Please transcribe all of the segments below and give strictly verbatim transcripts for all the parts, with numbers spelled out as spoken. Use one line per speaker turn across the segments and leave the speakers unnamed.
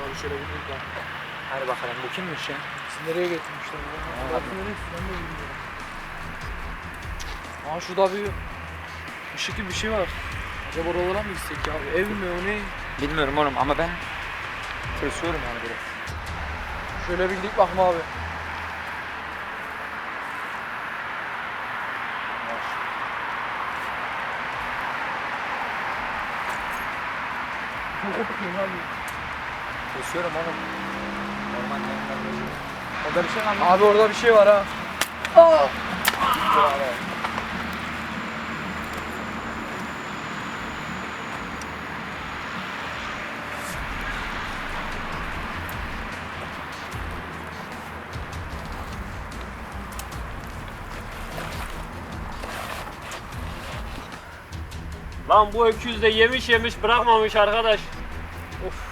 Hadi şöyle bir bak.
Hadi bakalım bu kimmiş ya?
Sizi nereye getirmişler? Bakın neresi ben de bilmiyorum. Aa şurada bir ışık gibi bir şey var. Acaba oralara mı gitsek ya? Ev mi o ne?
Bilmiyorum oğlum ama ben tırsıyorum yani biraz.
Şöyle bir gidip bakma abi.
Tırsıyorum oğlum. Orman yanında.
Orada bir şey var mı? Abi orada bir şey var ha. Aa!
Lan bu öküz de yemiş yemiş bırakmamış arkadaş. Of.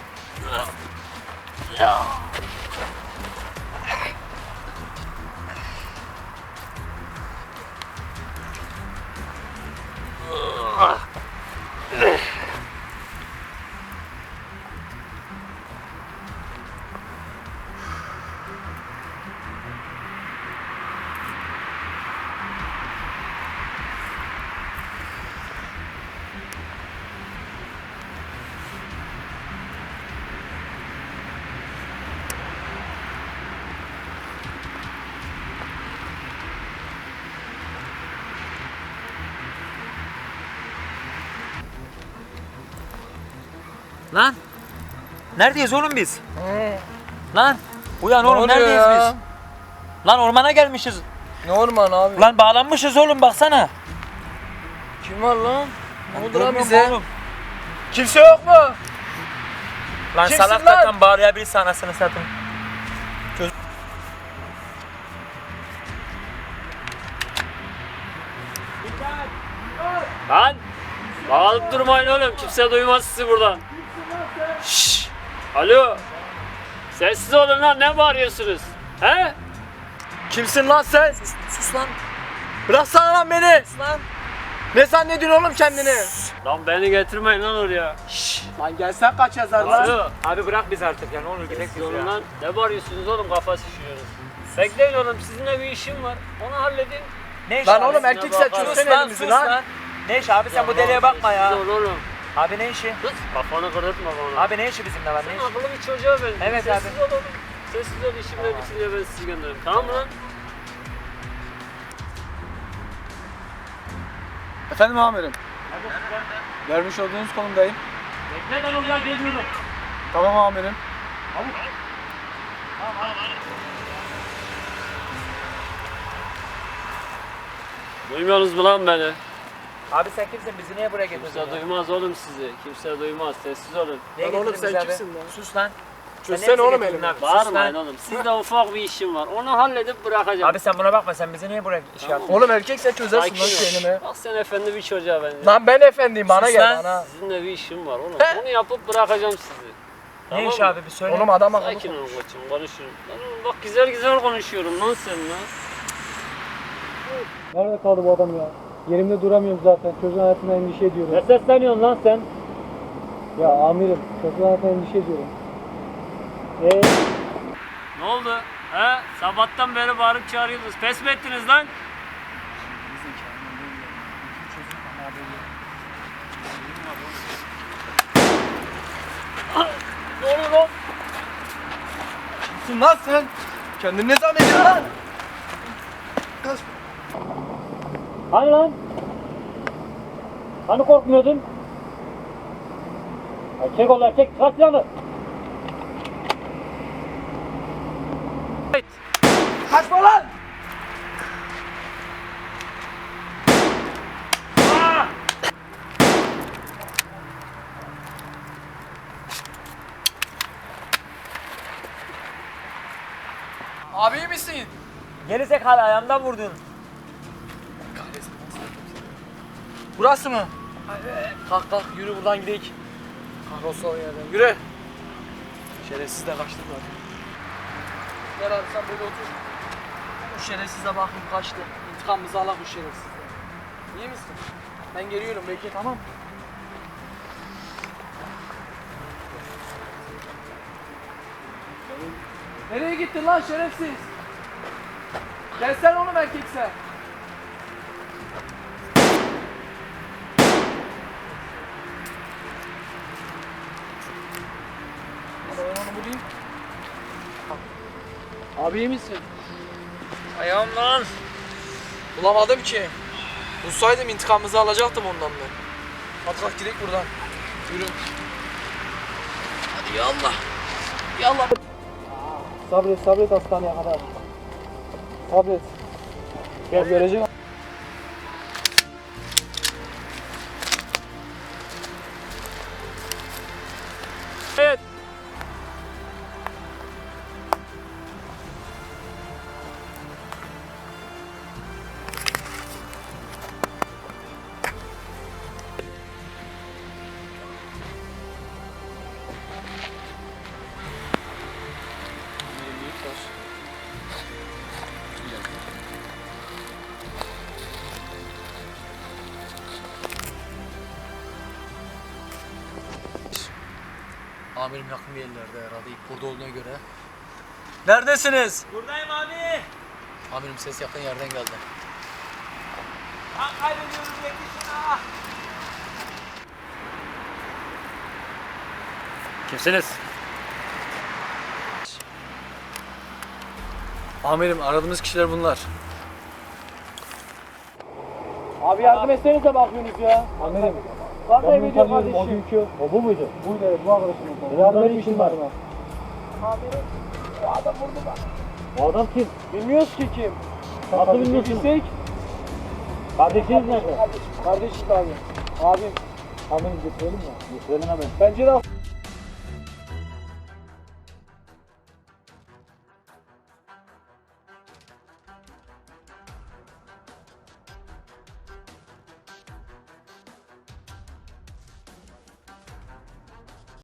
Lan! Neredeyiz oğlum biz? Lan! Uyan
Ne
oğlum
oluyor
neredeyiz
ya?
biz? Lan ormana gelmişiz.
Ne orman abi?
Lan bağlanmışız oğlum baksana.
Kim var lan? Ne oldu lan
Görmüyor
bize?
musun oğlum?
Kimse yok mu?
Lan
Kimsin
salak
lan?
takan bağırabilirse anasını satın.
Lan! Bağırıp durmayın oğlum, kimse duymaz sizi buradan. Şşş! Alo! Sessiz olun lan, ne bağırıyorsunuz? He?
Kimsin lan sen?
Sus, sus lan.
Bıraksana lan beni.
Sus lan.
Ne zannediyorsun oğlum kendini?
Lan beni getirmeyin lan oraya.
Şşş.
Lan gelsen kaç yazar lan?
Alo!
Abi bırak biz artık ya ne olur gidelim
Sessiz
biz
olun
ya.
lan, ne bağırıyorsunuz oğlum, kafa şişiyoruz. Bekleyin oğlum, sizinle bir işim var, onu halledin.
Ne iş
Lan
abi?
oğlum erkek sen
Sus
çözsene
lan,
elimizi
sus
lan.
lan. Ne iş abi sen bu deliğe bakma ya.
Sessiz ol oğlum.
Abi ne işi?
Sus, kafanı kırıtma bana.
Abi ne işi bizimle var ne
Sen
işi?
akıllı bir çocuğa benziyorsun.
Evet
Sessiz
abi.
ol oğlum. Sessiz ol, işimle bitince ben sizi gönderirim. Tamam mı lan?
Efendim amirim. Vermiş olduğunuz konumdayım.
Bekle ben oraya geliyorum.
Tamam amirim.
Duymuyorsunuz mu lan beni?
Abi sen kimsin bizi niye buraya getirdin?
Kimse
ya?
duymaz oğlum sizi. Kimse duymaz. Sessiz olun.
Niye
Lan oğlum
getirdin
sen
bizi abi?
kimsin lan?
Sus lan.
Çözsene
Sen niye
oğlum
bizi getirdin
elimi.
abi? Sus
Bağırmayın
lan.
oğlum. Sizde ufak bir işim var. Onu halledip bırakacağım.
Abi sen buna bakma sen bizi niye buraya iş
Tamam.
yaptın?
Oğlum erkek sen çözersin
Sakin
lan
ol.
kendini.
Bak sen efendi bir çocuğa benziyorsun.
Lan ben efendiyim bana
Sus
gel
lan.
bana.
Sizinle bir işim var oğlum.
He?
Onu yapıp bırakacağım sizi.
Ne iş
mı?
abi bir söyle.
Oğlum adam akıllı.
Sakin olun koçum, konuşun. Lan oğlum bak güzel güzel konuşuyorum lan sen lan.
Nerede kaldı bu adam ya? Yerimde duramıyorum zaten. Çocuğun hayatına endişe ediyorum.
Ne sesleniyorsun lan sen?
Ya amirim, çocuğun hayatına endişe ediyorum. Eee?
Ne oldu? He? Sabahtan beri bağırıp çağırıyordunuz. Pes mi ettiniz lan? Ne oluyor lan?
Kimsin lan sen? Kendini ne zannediyorsun lan? Kaç.
Hani lan? Hani korkmuyordun? Erkek ol erkek, kaç silahını.
Kaçma lan! Abi iyi misin?
Gerizekalı ayağımdan vurdun.
Burası mı? Kalk kalk yürü buradan gidelim. Kahrolsun o yerden. Yürü. Şerefsiz de kaçtı zaten. Gel abi sen böyle otur. Bu şerefsize bakın kaçtı. İntikamımızı alak bu şerefsizden. İyi misin? Ben geliyorum bekle tamam mı? Nereye gittin lan şerefsiz? Gelsene oğlum erkekse. Ben onu bulayım. Abi iyi misin?
Ayağım lan.
Bulamadım ki. Bulsaydım intikamımızı alacaktım ondan ben. Hadi kalk gidelim buradan. Yürü. Hadi yallah. Yallah. Sabret sabret hastaneye kadar. Sabret. Gel göreceğim.
Evet.
Amirim yakın bir yerlerde herhalde. İlk burada olduğuna göre. Neredesiniz?
Buradayım abi.
Amirim ses yakın yerden geldi.
Kan kaybediyoruz yetişin ah.
Kimsiniz?
Amirim aradığımız kişiler bunlar. Abi yardım etsenize bakıyorsunuz ya. Amirim. Bak ne video kardeşim. O günkü. O bu muydu? Buydu evet bu arkadaşım. Beraber bir işim var. Amirim. O adam vurdu bak.
O adam kim?
Bilmiyoruz ki kim.
Nasıl bilmiyorsun?
Bilsek.
Kardeşiniz nerede?
Kardeşim abi. Abim.
Amirim getirelim mi? Getirelim hemen.
Bence de